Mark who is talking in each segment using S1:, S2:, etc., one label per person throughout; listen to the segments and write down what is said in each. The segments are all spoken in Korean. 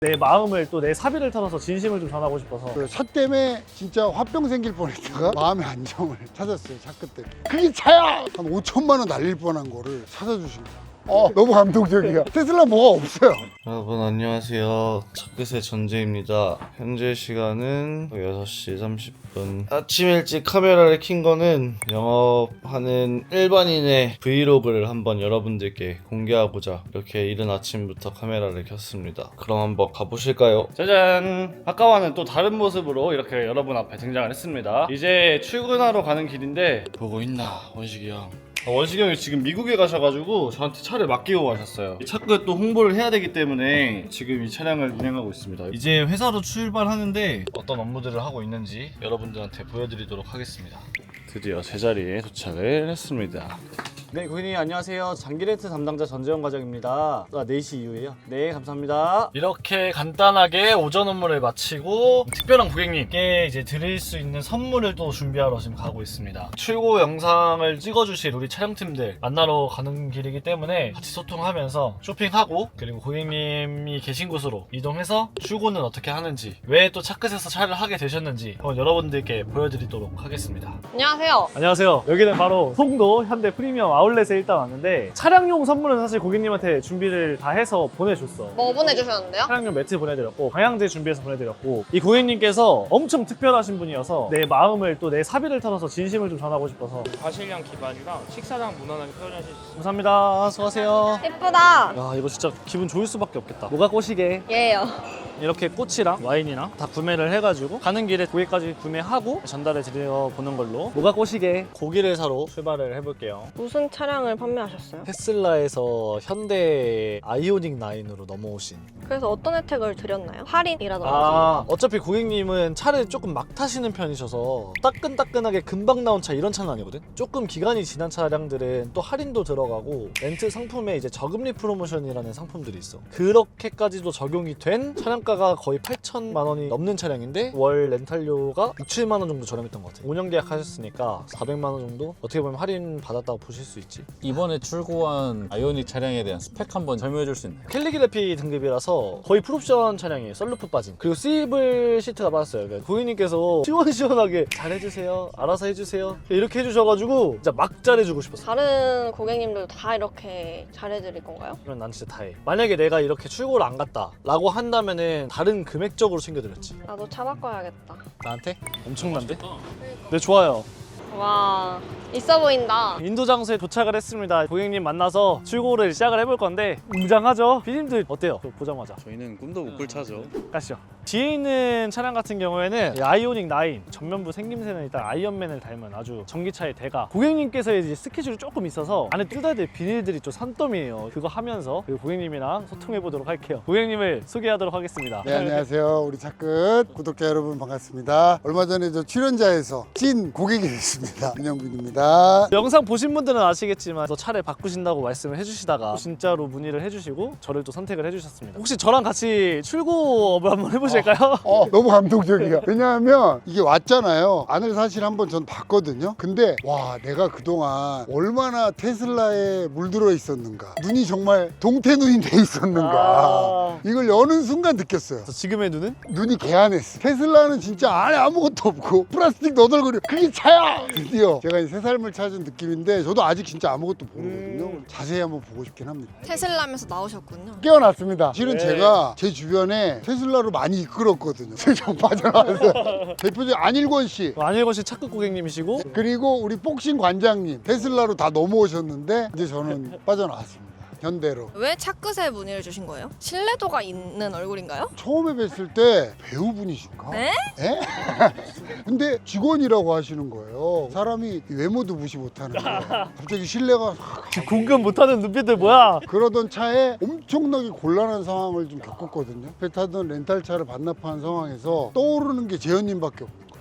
S1: 내 마음을 또 내 사비를 털어서 진심을 좀 전하고 싶어서.
S2: 그 차 때문에 진짜 화병 생길 뻔했다가 마음의 안정을 찾았어요. 차 끝 때문에. 그게 차야! 한 5천만 원 날릴 뻔한 거를 찾아주신 거야. 너무 감동적이야. 테슬라 뭐가 없어요.
S3: 여러분 안녕하세요. 차끝의 전재입니다. 현재 시간은 6시 30분. 아침 일찍 카메라를 킨 거는 영업하는 일반인의 브이로그를 한번 여러분들께 공개하고자 이렇게 이른 아침부터 카메라를 켰습니다. 그럼 한번 가보실까요? 짜잔! 아까와는 또 다른 모습으로 이렇게 여러분 앞에 등장을 했습니다. 이제 출근하러 가는 길인데 보고 있나 원식이 형. 원식이 형이 지금 미국에 가셔가지고 저한테 차를 맡기고 가셨어요. 차끝 또 홍보를 해야 되기 때문에 지금 이 차량을 운행하고 있습니다. 이제 회사로 출발하는데 어떤 업무들을 하고 있는지 여러분들한테 보여드리도록 하겠습니다. 드디어 제자리에 도착을 했습니다. 네, 고객님 안녕하세요. 장기렌트 담당자 전재원 과장입니다. 4시 이후에요. 네, 감사합니다. 이렇게 간단하게 오전 업무를 마치고 특별한 고객님께 이제 드릴 수 있는 선물을 또 준비하러 지금 가고 있습니다. 출고 영상을 찍어주실 우리 촬영팀들 만나러 가는 길이기 때문에 같이 소통하면서 쇼핑하고 그리고 고객님이 계신 곳으로 이동해서 출고는 어떻게 하는지 왜 또 차끝에서 차를 하게 되셨는지 한번 여러분들께 보여드리도록 하겠습니다.
S4: 안녕하세요.
S1: 안녕하세요. 여기는 바로 송도 현대 프리미엄 아울렛에 일단 왔는데 차량용 선물은 사실 고객님한테 준비를 다 해서 보내줬어.
S4: 뭐 보내주셨는데요?
S1: 차량용 매트 보내드렸고 방향제 준비해서 보내드렸고 이 고객님께서 엄청 특별하신 분이어서 내 마음을 또 내 사비를 털어서 진심을 좀 전하고 싶어서.
S5: 과실량 기반이랑 식사량 무난하게 표현하실 수 있어요.
S1: 감사합니다. 수고하세요.
S4: 예쁘다.
S1: 야, 이거 진짜 기분 좋을 수밖에 없겠다. 뭐가 꽃이게
S4: 예요.
S1: 이렇게 꽃이랑 와인이랑 다 구매를 해가지고 가는 길에 고객까지 구매하고 전달해 드려보는 걸로. 뭐가 꽃이게 고기를 사러 출발을 해볼게요.
S4: 무슨 차량을 판매하셨어요?
S1: 테슬라에서 현대 아이오닉 9으로 넘어오신.
S4: 그래서 어떤 혜택을 드렸나요? 할인이라든지.
S1: 어차피 고객님은 차를 조금 막 타시는 편이셔서 따끈따끈하게 금방 나온 차 이런 차는 아니거든. 조금 기간이 지난 차량들은 또 할인도 들어가고 렌트 상품에 이제 저금리 프로모션이라는 상품들이 있어. 그렇게까지도 적용이 된 차량가가 거의 8천만 원이 넘는 차량인데 월 렌탈료가 6, 7만 원 정도 저렴했던 것 같아요. 5년 계약하셨으니까 400만 원 정도 어떻게 보면 할인 받았다고 보실 수 있지.
S6: 이번에 출고한 아이오닉 차량에 대한 스펙 한번 설명해 줄 수 있나요?
S1: 캘리그래피 등급이라서 거의 풀옵션 차량이에요. 썬루프 빠진. 그리고 스위블 시트가 빠졌어요. 그러니까 고객님께서 시원시원하게 잘해주세요, 알아서 해주세요 이렇게 해주셔가지고 진짜 막 잘해주고 싶었어.
S4: 다른 고객님들도 다 이렇게 잘해드릴 건가요?
S1: 그럼 난 진짜 다해. 만약에 내가 이렇게 출고를 안 갔다 라고 한다면은 다른 금액적으로 챙겨드렸지.
S4: 나도 차 바꿔야겠다.
S1: 나한테? 엄청난데? 네, 좋아요.
S4: 와, 있어 보인다.
S1: 인도 장소에 도착을 했습니다. 고객님 만나서 출고를 시작을 해볼 건데 웅장하죠? 피디님들 어때요? 보자마자
S5: 저희는 꿈도 못 꿀 차죠.
S1: 가시죠. 뒤에 있는 차량 같은 경우에는 이 아이오닉 9 전면부 생김새는 일단 아이언맨을 닮은 아주 전기차의 대가. 고객님께서 이제 스케줄이 조금 있어서 안에 뜯어야 될 비닐들이 좀 산더미예요. 그거 하면서 그리고 고객님이랑 소통해 보도록 할게요. 고객님을 소개하도록 하겠습니다.
S2: 네, 안녕하세요. 우리 차끝 구독자 여러분 반갑습니다. 얼마 전에 저 출연자에서 찐 고객이 됐습니다. 윤영빈입니다.
S1: 영상 보신 분들은 아시겠지만 또 차를 바꾸신다고 말씀을 해주시다가 진짜로 문의를 해주시고 저를 또 선택을 해주셨습니다. 혹시 저랑 같이 출고업을 한번 해보실까요?
S2: 너무 감동적이야. 왜냐하면 이게 왔잖아요. 안을 사실 한번 전 봤거든요. 근데 와, 내가 그동안 얼마나 테슬라에 물들어 있었는가. 눈이 정말 동태눈이 돼 있었는가. 이걸 여는 순간 느꼈어요.
S1: 지금의 눈은?
S2: 눈이 개안했어. 테슬라는 진짜 안에 아무것도 없고 플라스틱 너덜거려. 그게 차야! 드디어 제가 이제 새 삶을 찾은 느낌인데 저도 아직 진짜 아무것도 모르거든요. 자세히 한번 보고 싶긴 합니다.
S4: 테슬라면서 나오셨군요.
S2: 깨어났습니다. 실은
S1: 네.
S2: 제가 제 주변에 테슬라로 많이 이끌었거든요. 좀 빠져나와서. 대표적 안일권 씨,
S1: 안일권 씨 차끝 고객님이시고
S2: 그리고 우리 복싱 관장님 테슬라로 다 넘어오셨는데 이제 저는 빠져나왔습니다. 현대로.
S4: 왜 차끝에 문의를 주신 거예요? 신뢰도가 있는 얼굴인가요?
S2: 처음에 뵀을 때 배우분이신가?
S4: 네?
S2: 에? 근데 직원이라고 하시는 거예요. 사람이 외모도 무시 못하는 거예요. 갑자기 신뢰가
S1: 공감 못하는 눈빛들 뭐야?
S2: 그러던 차에 엄청나게 곤란한 상황을 좀 겪었거든요. 배 타던 렌탈차를 반납한 상황에서 떠오르는 게 재현님밖에 없는 거예요.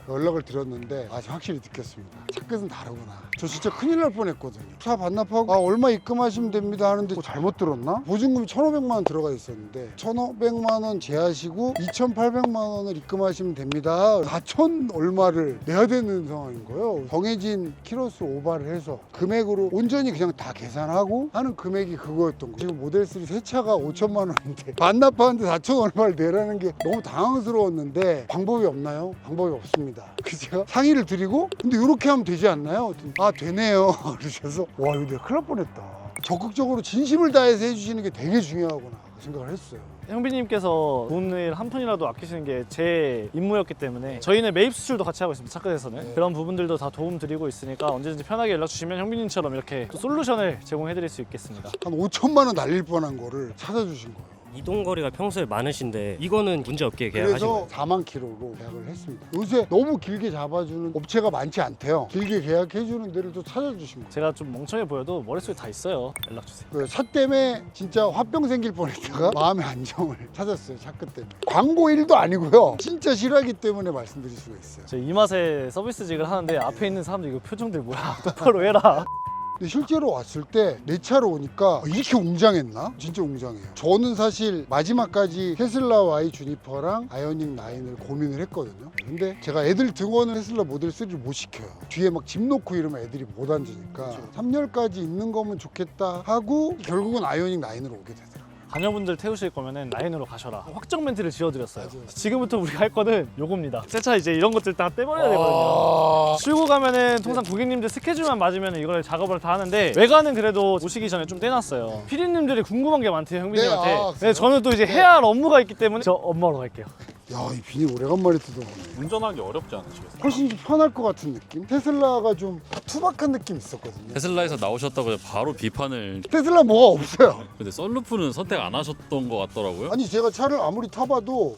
S2: 연락을 드렸는데 확실히 느꼈습니다. 차 끝은 다르구나. 저 진짜 큰일 날 뻔했거든요. 차 반납하고400만 입금하시면 됩니다 하는데 잘못 들었나? 보증금이 1,500만 원 들어가 있었는데 1,500만 원 제하시고 2,800만 원을 입금하시면 됩니다. 4,000 얼마를 내야 되는 상황인 거예요. 정해진 키로수 오버를 해서 금액으로 온전히 그냥 다 계산하고 하는 금액이 그거였던 거예요. 지금 모델3 새 차가 5천만 원인데 반납하는데 4천 얼마를 내라는 게 너무 당황스러웠는데 방법이 없나요? 방법이 없습니다. 그래서 제가 상의를 드리고 근데 이렇게 하면 되지 않나요? 되네요. 그러셔서 와 이거 내가 큰일 날 뻔했다. 적극적으로 진심을 다해서 해주시는 게 되게 중요하구나 생각을 했어요.
S1: 형비님께서 돈을 한 푼이라도 아끼시는 게 제 임무였기 때문에 저희는 매입 수출도 같이 하고 있습니다. 차끝에서는 그런 부분들도 다 도움 드리고 있으니까 언제든지 편하게 연락 주시면 형비님처럼 이렇게 또 솔루션을 제공해 드릴 수 있겠습니다.
S2: 한 5천만 원 날릴 뻔한 거를 찾아주신 거예요.
S7: 이동 거리가 평소에 많으신데 이거는 문제 없게 계약하신
S2: 그래서
S7: 거예요?
S2: 4만 킬로로 계약을 했습니다. 요새 너무 길게 잡아주는 업체가 많지 않대요. 길게 계약해주는 데를 또 찾아주신 거예요.
S1: 제가 좀 멍청해 보여도 머릿속에 다 있어요. 연락 주세요.
S2: 차 때문에 진짜 화병 생길 뻔했다가 마음의 안정을 찾았어요. 차 끝 때문에. 광고 일도 아니고요. 진짜 싫어하기 때문에 말씀드릴 수가 있어요.
S1: 저 이 맛에 서비스직을 하는데 앞에 있는 사람들 이거 표정들 뭐야? 똑바로 해라.
S2: 근데 실제로 왔을 때 내 차로 오니까 이렇게 웅장했나? 진짜 웅장해요. 저는 사실 마지막까지 테슬라 Y 주니퍼랑 아이오닉 9을 고민을 했거든요. 근데 제가 애들 등원을 테슬라 모델 3를 못 시켜요. 뒤에 막 집 놓고 이러면 애들이 못 앉으니까 3열까지 있는 거면 좋겠다 하고 결국은 아이오닉 9으로 오게 되더라고요.
S1: 자녀분들 태우실 거면은 라인으로 가셔라. 확정 멘트를 지어드렸어요. 지금부터 우리가 할 거는 요겁니다. 새 차 이제 이런 것들 다 떼버려야 되거든요. 출고 가면은 통상 고객님들 스케줄만 맞으면 이걸 작업을 다 하는데 외관은 그래도 오시기 전에 좀 떼놨어요. 피디님들이 궁금한 게 많대요, 형비님한테.
S2: 네,
S1: 네, 저는 또 이제 해야 할 업무가 있기 때문에 저 엄마로 갈게요.
S2: 야, 이 비닐 오래간만에 뜯어보네.
S6: 운전하기 어렵지 않으시겠어요?
S2: 훨씬 좀 편할 것 같은 느낌? 테슬라가 좀 투박한 느낌 있었거든요.
S6: 테슬라에서 나오셨다고 바로 비판을.
S2: 테슬라 뭐가 없어요.
S6: 근데 썬루프는 선택 안 하셨던 것 같더라고요.
S2: 아니 제가 차를 아무리 타봐도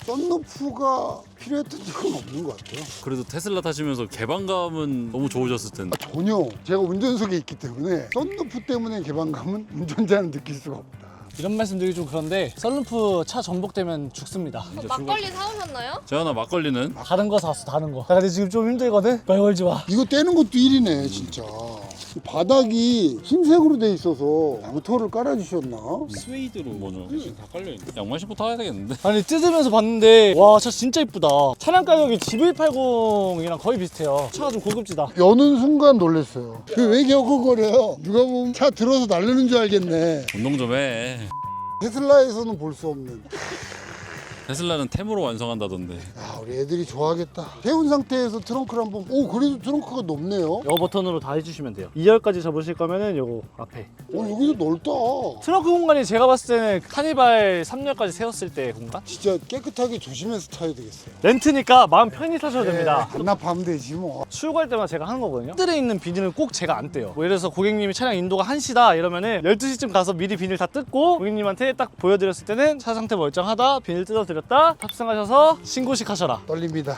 S2: 썬루프가 필요했던 적은 없는 것 같아요.
S6: 그래도 테슬라 타시면서 개방감은 너무 좋으셨을 텐데.
S2: 전혀. 제가 운전석에 있기 때문에 썬루프 때문에 개방감은 운전자는 느낄 수가 없다.
S1: 이런 말씀 드리기 좀 그런데 썬루프 차 전복되면 죽습니다.
S4: 막걸리 사오셨나요?
S6: 재현아 막걸리는?
S1: 다른 거 사왔어, 다른 거. 나 근데 지금 좀 힘들거든? 말 걸지 마.
S2: 이거 떼는 것도 일이네 진짜. 이 바닥이 흰색으로 돼 있어서 양토를 깔아주셨나?
S6: 스웨이드로 뭐죠? 다 깔려있네. 양말 신고 타야 되겠는데?
S1: 아니 뜯으면서 봤는데 와 차 진짜 이쁘다. 차량 가격이 GV80이랑 거의 비슷해요. 차가 좀 고급지다.
S2: 여는 순간 놀랐어요. 왜 겨우거려요? 누가 보면 차 들어서 날르는 줄 알겠네.
S6: 운동 좀 해.
S2: 테슬라에서는 볼 수 없는.
S6: 테슬라는 템으로 완성한다던데.
S2: 야, 우리 애들이 좋아하겠다. 태운 상태에서 트렁크를 한번. 오, 그래도 트렁크가 넓네요.
S1: 요 버튼으로 다 해주시면 돼요. 2열까지 접으실 거면은 요거 앞에.
S2: 오, 여기도 넓다.
S1: 트렁크 공간이 제가 봤을 때는 카니발 3열까지 세웠을 때 공간?
S2: 진짜 깨끗하게 조심해서 타야 되겠어요.
S1: 렌트니까 마음 편히 타셔도 됩니다.
S2: 반납하면 되지 뭐.
S1: 출고할 때마다 제가 하는 거거든요. 뜰에 있는 비닐은 꼭 제가 안 떼요. 뭐 예를 들어서 고객님이 차량 인도가 1시다 이러면은 12시쯤 가서 미리 비닐 다 뜯고 고객님한테 딱 보여드렸을 때는 차 상태 멀쩡하다, 비닐 뜯어드렸다, 탑승하셔서 신고식 하셔라.
S2: 떨립니다.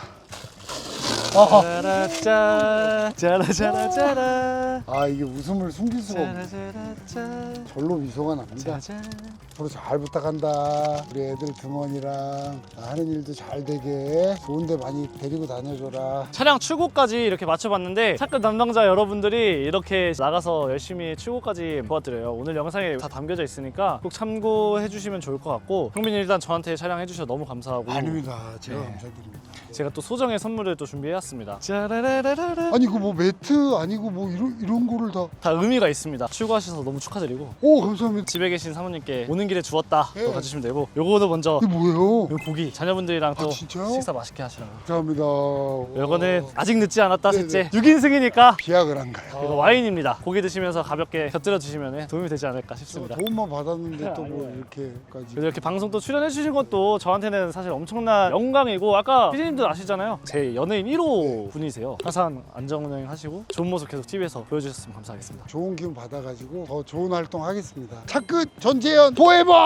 S1: 짜라짜 짜라짜라짜라
S2: 아, 이게 웃음을 숨길 수가 없네.
S1: 짜라짜라짜
S2: 절로 미소가 납니다.
S1: 짜잔.
S2: 서로 잘 부탁한다. 우리 애들 등원이랑 하는 일도 잘 되게 좋은데 많이 데리고 다녀줘라.
S1: 차량 출고까지 이렇게 맞춰봤는데 차끝 담당자 여러분들이 이렇게 나가서 열심히 출고까지 도와드려요. 오늘 영상에 다 담겨져 있으니까 꼭 참고해 주시면 좋을 것 같고 형빈이 일단 저한테 촬영 해주셔서 너무 감사하고
S2: 아닙니다. 제가
S1: 네.
S2: 감사드립니다.
S1: 제가 또 소정의 선물을 또 준비해왔습니다. 짜라라라라.
S2: 아니 그 뭐 매트 아니고 뭐 이런 거를 다.
S1: 다 의미가 있습니다. 출고하셔서 너무 축하드리고
S2: 오, 감사합니다.
S1: 집에 계신 사모님께 오는 길에 주웠다
S2: 네.
S1: 또 가주시면 되고 요거도 먼저
S2: 이게 뭐예요?
S1: 요 고기 자녀분들이랑 또
S2: 진짜요?
S1: 식사 맛있게 하시라고.
S2: 감사합니다.
S1: 요거는 아직 늦지 않았다
S2: 네네.
S1: 셋째 6인승이니까
S2: 비약을 한 가요.
S1: 이거 와인입니다. 고기 드시면서 가볍게 곁들여 주시면 도움이 되지 않을까 싶습니다.
S2: 도움만 받았는데 또 뭐
S1: 아니에요.
S2: 이렇게까지.
S1: 그래서 이렇게 방송 또 출연해 주신 것도 저한테는 사실 엄청난 영광이고 아까 피디님들 아시잖아요. 제 연예인 1호 분이세요. 항상 안전운행 하시고 좋은 모습 계속 TV에서 보여주셨으면 감사하겠습니다.
S2: 좋은 기운 받아가지고 더 좋은 활동 하겠습니다. 차끝 전재현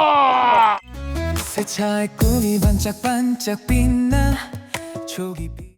S2: 포에버!
S8: 새 차의 꿈이 반짝반짝 빛나 초기 빛